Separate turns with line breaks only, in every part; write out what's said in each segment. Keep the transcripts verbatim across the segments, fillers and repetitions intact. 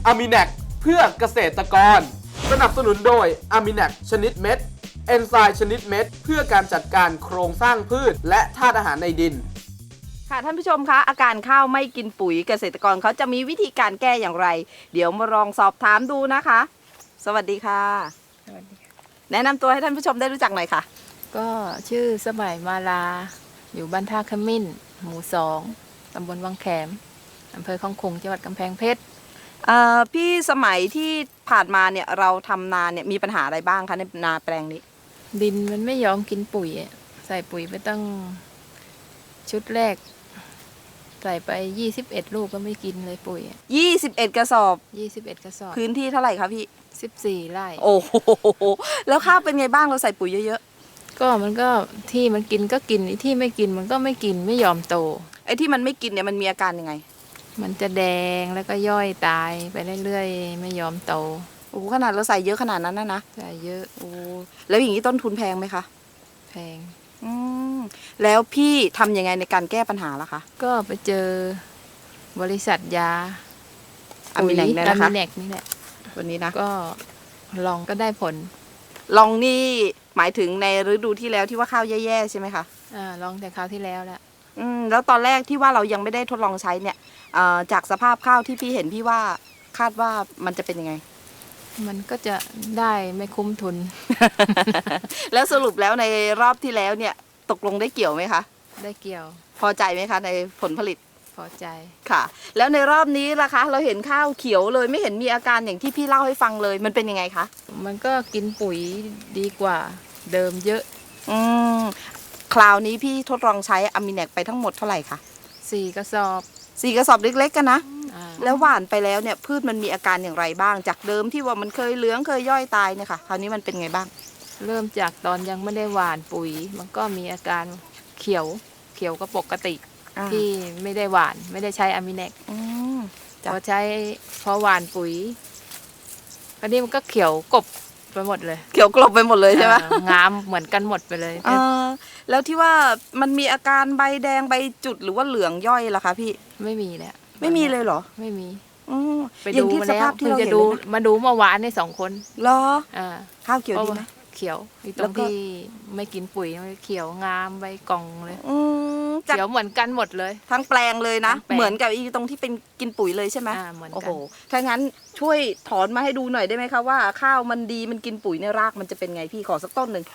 อะมิแนกเพื่อเกษตรกรสนับสนุนโดยอะมิแนกชนิดเม็ดเอนไซม์ชนิดเม็ดเพื่อการจัดการโครงสร้างพืชและธาตุอาหารในดิน
ค่ะท่านผู้ชมคะอาการข้าวไม่กินปุ๋ยเกษตรกรเขาจะมีวิธีการแก้อย่างไรเดี๋ยวมาลองสอบถามดูนะคะ สวัสดีค่ะ
สวัสดีค่ะ
แนะนำตัวให้ท่านผู้ชมได้รู้จักหน่อยค่ะ
ก็ชื่อสมัยมาลาอยู่บ้านท่าขมิ้นหมู่สองตำบลวังแขมอำเภอคลองขลุงจังหวัดกำแพงเพชร
เอ่อพี่สมัยที่ผ่านมาเนี่ยเราทำนาเนี่ยมีปัญหาอะไรบ้างคะในนาแปลงนี้
ดินมันไม่ยอมกินปุ๋ยอะใส่ปุ๋ยไปตั้งชุดแรก ใส่ไปยี่สิบเอ็ดลูกก็ไม่กินเลยปุ๋ยอะ
ยี่สิบเอ็ด กระสอบ
ยี่สิบเอ็ดกระสอบ
พื้นที่เท่าไหร่คะพี่
สิบสี่ไร่
โอ้โหแล้วข้าวเป็นไงบ้างเราใส่ปุ๋ยเยอะ
ก็มันก็ที่มันกินก็กินไอ้ที่ไม่กินมันก็ไม่กินไม่ยอมโต
ๆไอ้ที่มันไม่กินเนี่ยมันมีอาการยังไง
มันจะแดงแล้วก็ย่อยตายไปเรื่อยๆไม่ยอมโต
โอ้โหขนาดเราใส่เยอะขนาดนั้นนะนะ
ใส่เยอะ
โอ้แล้วอย่างนี้ต้นทุนแพงไหมคะ
แพง
อืมแล้วพี่ทำยังไงในการแก้ปัญหาล่ะคะ
ก็ไปเจอบริษัทยา
อะมิแนกเนี่ยนะคะ
อะมิแนกนี่แหละ
วันนี้นะ
ก็ลองก็ได้ผล
ลองนี่หมายถึงในฤดูที่แล้วที่ว่าข้าวแย่ๆใช่ไหมคะ
อ่าลองแต่คราวที่แล้วแหละ
อืมแล้วตอนแรกที่ว่าเรายังไม่ได้ทดลองใช้เนี่ยเอ่อจากสภาพข้าวที่พี่เห็นพี่ว่าคาดว่ามันจะเป็นยังไง
มันก็จะได้ไม่คุ้มทุน
แล้วสรุปแล้วในรอบที่แล้วเนี่ยตกลงได้เกี่ยวไหมคะ
ได้เกี่ยว
พอใจไหมคะในผลผลิต
พอใจ
ค่ะ แล้วในรอบนี้ล่ะคะ เราเห็นข้าวเขียวเลยไม่เห็นมีอาการอย่างที่พี่เล่าให้ฟังเลยมันเป็นยังไงคะ
มันก็กินปุ๋ยดีกว่าเดิมเยอะ
อืมคราวนี้พี่ทดลองใช้อะมิแนกไปทั้งหมดเท่าไหร่คะ
สี่กระสอบ
สี่กระสอบเล็กๆกันนะ
อ่า
แล้วหว่านไปแล้วเนี่ยพืชมันมีอาการอย่างไรบ้าง จากเดิมที่ว่ามันเคยเหลืองเคยย่อยตายเนี่ยค่ะคราวนี้มันเป็นไงบ้าง
เริ่มจากตอนยังไม่ได้หว่านปุ๋ย มันก็มีอาการเขียวเขียวก็ปกติ ที่ไม่ได้หวานไม่ได้ใช้อะมิแนก
อืม
พอใช้พอหวานปุ๋ยคราวนี้มันก็เขียวกบไปหมดเลย
เขียวกลบไปหมดเลยใช่ไหม
อ่างามเหมือนกันหมดไปเลย
เออแล้วที่ว่ามันมีอาการใบแดงใบจุดหรือว่าเหลืองย่อยล่ะคะพี่
ไม่มีแล้ว
ไม่มีเลยเหรอ
ไม่มี
อืม
ไป
อย่า
ดู
งที่
มา
ส
แล้ว
ภาพที่
เพิ่ง
เรา
จะ
เห็น
ดู
เลยนะ
มาดูเมื่อวานในสองคน
เหรอ
อ่า
ข้าวเขียวดีไหม
เขียวอีต
แล้
รง
วก็
ที่ไม่กินปุ๋ยมันเขียวงามใบกล่องเลย
อืมจาก
เขียวเหมือนกันหมดเลย
ทั้งแปลงเลยนะ
ทั้งแปลง
เหมือนกับอีตรงที่เป็นกินปุ๋ยเลยใช่ไหม
อ่าเหมือน
โอ้
กั
โห
น
ถ้างั้นช่วยถอนมาให้ดูหน่อยได้ไหมคะว่าข้าวมันดีมันกินปุ๋ยในรากมันจะเป็นไงพี่ขอสักต้นหนึ่ง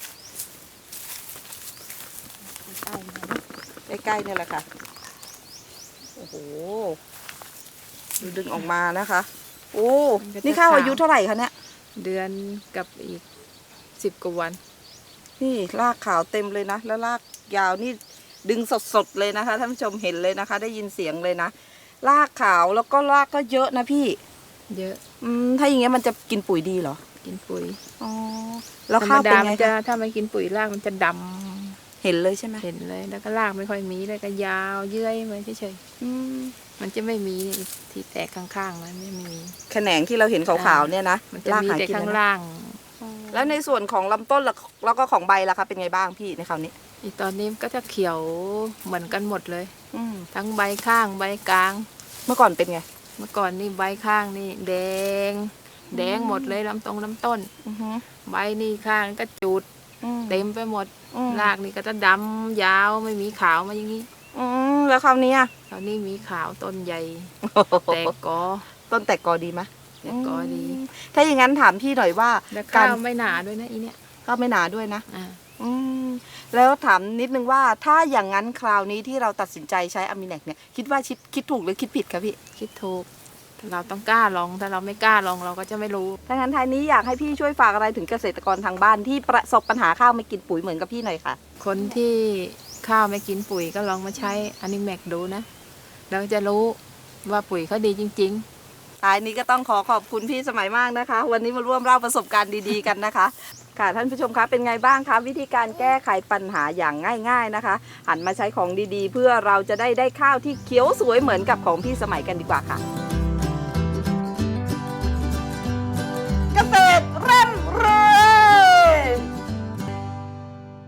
ใกล้ๆเนี่ยแหละค่ะโอ้โหดูดึงออกมานะคะ โอ้นี่ข้าวอายุเท่าไหร่คะเนี่ย
เดือนกับอีกสิบกว่าวัน
นี่รากขาวเต็มเลยนะแล้วรากยาวนี่ดึงสดๆเลยนะคะท่านผู้ชมเห็นเลยนะคะ ได้ยินเสียงเลยนะรากขาวแล้วก็รากก็เยอะนะพี่
เยอะ
อืมถ้าอย่างเงี้ยมันจะกินปุ๋ยดีเหรอ
กินปุ๋ย
อ๋อแล้ว
ธรร
ข้าม วเป็
ดาน
ไง
มันจะ
คะ
ถ้าไม่กินปุ๋ยรากมันจะด
เห็นเลยใช่ไหม
ำเห็นเลยแล้วก็รากไม่ค่อยมีเลยก็ยาวเยื่อยมาเฉย
อืม
ๆมันจะไม่มีที่แตกข้างๆมันไม่มี
แขนงที่เราเห็นขาวๆเนี่ยนะ
มันจะ
ราก
มี
หา
แต่
กิน
ข้าง
นะ
ล่าง
แล้วในส่วนของลำต้นล่ะแล้วก็ของใบล่ะคะเป็นไงบ้างพี่ในคราวนี้
อีตอนนี้มันก็จะเขียวเหมือนกันหมดเลย
อืม
ทั้งใบข้างใบกลาง
เมื่อก่อนเป็นไง
เมื่อก่อนนี่ใบข้างนี่แดง แดงหมดเลยลำตรงลำต้น
อือฮึ
ใบนี่ข้างก็จุด
อืม
เต็มไปหมด
อืม
รากนี่ก็จะดำยาวไม่มีขาวมาอย่างนี้
อืมแล้วคราวนี้อะ
คราวนี้มีขาวต้นใหญ่แตกกอ
ต้นแตกกอดีไหม
แตกกอดี
มถ้าอย่างนั้นถามพี่หน่อยว่า
แล้ว
กา
ข้าร วไม่หนาด้วยนะอีเนี่ย
ก็ไม่หนาด้วยนะ
อ่า
อืมแล้วถามนิดนึงว่าถ้าอย่างนั้นคราวนี้ที่เราตัดสินใจใช้อะมิแนกเนี่ยคิดว่าคิดคิดถูกหรือคิดผิดคะพี่
คิดถูกเราต้องกล้าลองถ้าเราไม่กล้าลองเราก็จะไม่รู้
ถ้างั้นท้ายนี้อยากให้พี่ช่วยฝากอะไรถึงเกษตรกรทางบ้านที่ประสบปัญหาข้าวไม่กินปุ๋ยเหมือนกับพี่หน่อยค่ะ
คนที่ข้าวไม่กินปุ๋ยก็ลองมาใช้อนิแมกดูนะเราจะรู้ว่าปุ๋ยเขาดีจริงๆ
ท้ายนี้ก็ต้องขอขอบคุณพี่สมัยมากนะคะ วันนี้มาร่วมเล่าประสบการณ์ดีๆกันนะคะ ค่ะท่านผู้ชมคะเป็นไงบ้างคะวิธีการแก้ไขปัญหาอย่างง่าย ๆนะคะ หันมาใช้ของดีๆ เพื่อเราจะได้ได้ข้าวที่เขียวสวยเหมือนกับของพี่สมัยกันดีกว่าค่ะ